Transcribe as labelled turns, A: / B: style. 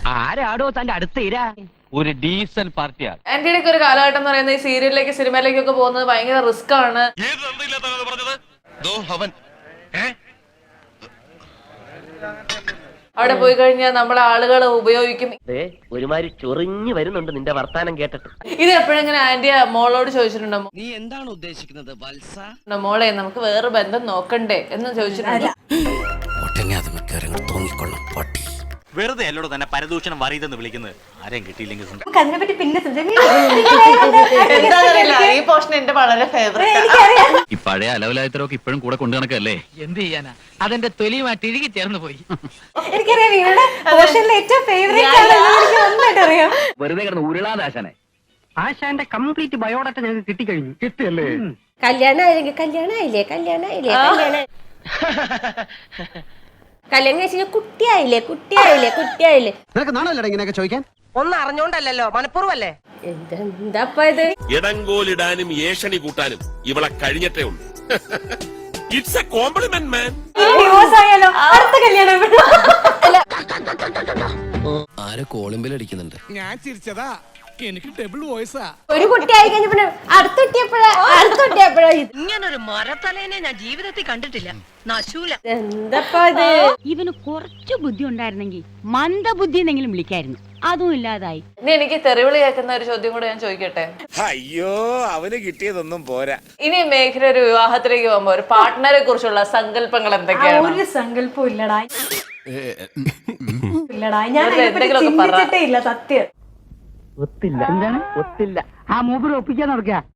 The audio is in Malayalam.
A: ആരാടോ തന്റെ അടുത്ത് ഇരാ? ഒരു ഡീസന്റ് പാർട്ടിയാണ്.
B: ആന്റിയുടെ ഒക്കെ ഒരു കാലഘട്ടം എന്ന് പറയുന്നത് ഈ സീരിയലിലേക്ക് സിനിമയിലേക്കൊക്കെ പോകുന്നത് ഭയങ്കര റിസ്ക് ആണ്. അവിടെ പോയി കഴിഞ്ഞാൽ നമ്മളെ ആളുകൾ ഉപയോഗിക്കും.
A: ഒരുമാതിരി ചൊറിഞ്ഞു വരുന്നുണ്ട് നിന്റെ വർത്താനം കേട്ടിട്ട്.
B: ഇത് എപ്പോഴെങ്ങനെ ആന്റി മോളോട് ചോദിച്ചിട്ടുണ്ടോ?
C: നീ എന്താണ് ഉദ്ദേശിക്കുന്നത് വത്സ?
B: മോളെ നമുക്ക് വേറെ ബന്ധം നോക്കണ്ടേ എന്ന് ചോദിച്ചിട്ടുണ്ടോ?
D: വെറുതെ അല്ലോട് തന്നെ പരദൂഷണം വറിയതെന്ന് വിളിക്കുന്നത്. ആരെയും കിട്ടിയില്ലെങ്കിൽ
B: ഈ പോർഷൻ എന്റെ വളരെ ഫേവറേറ്റ്.
E: ഈ പഴയ അലവലായത്തരൊക്കെ ഇപ്പോഴും കൂടെ കൊണ്ടു നടക്കല്ലേ?
F: എന്ത് ചെയ്യാനാ, അതെന്റെ തൊലിയുമായിട്ട് ഇഴുകി ചേർന്ന് പോയി.
G: എനിക്കറിയാം ഇവരുടെ പോർഷനിലെ ഏറ്റവും ഫേവറേറ്റ് അറിയാം.
E: വെറുതെ കിടന്ന് ഉരുളാദാശനെ.
A: ആശാന്റെ കംപ്ലീറ്റ് ബയോഡാറ്റ ഞങ്ങൾക്ക് കിട്ടിക്കഴിഞ്ഞു. കിട്ടിയല്ലേ?
G: കല്യാണമായില്ലേ കല്യാണം കഴിച്ച കുട്ടിയായില്ലേ.
C: നിനക്ക് നാണല്ലോ ഇങ്ങനെയൊക്കെ ചോദിക്കാൻ?
H: ഒന്നും അറിഞ്ഞോണ്ടല്ലോ, മനഃപൂർവ്വല്ലേ?
G: എന്താ ഇത്?
I: ഇടങ്കോലിടാനും ഏഷണി കൂട്ടാനും ഇവളെ കഴിഞ്ഞിട്ടേ ഉള്ളൂ. It's a compliment man.
G: Divorce ആയാലോ? അടുത്ത കല്യാണം
C: ആരോ കോളിംബിൽ അടിക്കുന്നുണ്ട്.
F: ഞാൻ ചിരിച്ചതാ, എനിക്ക് ഡബിൾ വോയിസാ.
G: ഒരു കുട്ടിയായി കഴിഞ്ഞ പിന്നെ അടുത്ത കുട്ടിയപ്പോഴാ
H: ഇങ്ങനൊരു മരത്തലേനെ ഞാൻ ജീവിതത്തിൽ കണ്ടിട്ടില്ല. നശൂല.
G: എന്താ ഇത്?
J: ഇവന് കുറച്ചു ബുദ്ധി ഉണ്ടായിരുന്നെങ്കിൽ മന്ദബുദ്ധി എന്നെങ്കിലും വിളിക്കായിരുന്നു. അതും ഇല്ലാതായി.
B: ഇനി എനിക്ക് തെറിവിളി കേൾക്കുന്ന ഒരു ചോദ്യം കൂടെ ഞാൻ ചോദിക്കട്ടെ.
I: അയ്യോ അവന് കിട്ടിയതൊന്നും പോരാ.
B: ഇനി മേഘന ഒരു വിവാഹത്തിലേക്ക് പോകുമ്പോ ഒരു പാർട്ട്ണറെ കുറിച്ചുള്ള സങ്കല്പങ്ങൾ എന്തൊക്കെയാണ്?
G: ഒരു സങ്കല്പവും ഇല്ലടാ. ഞാൻ
B: എന്തെങ്കിലുമൊക്കെ പറ.
G: ചിന്തിച്ചിട്ടേ ഇല്ല സത്യം.
A: ഒത്തില്ല. എന്താണ് ഒത്തില്ല? ആ മൂപ്പര് ഒപ്പിക്കാൻ നടക്കുക.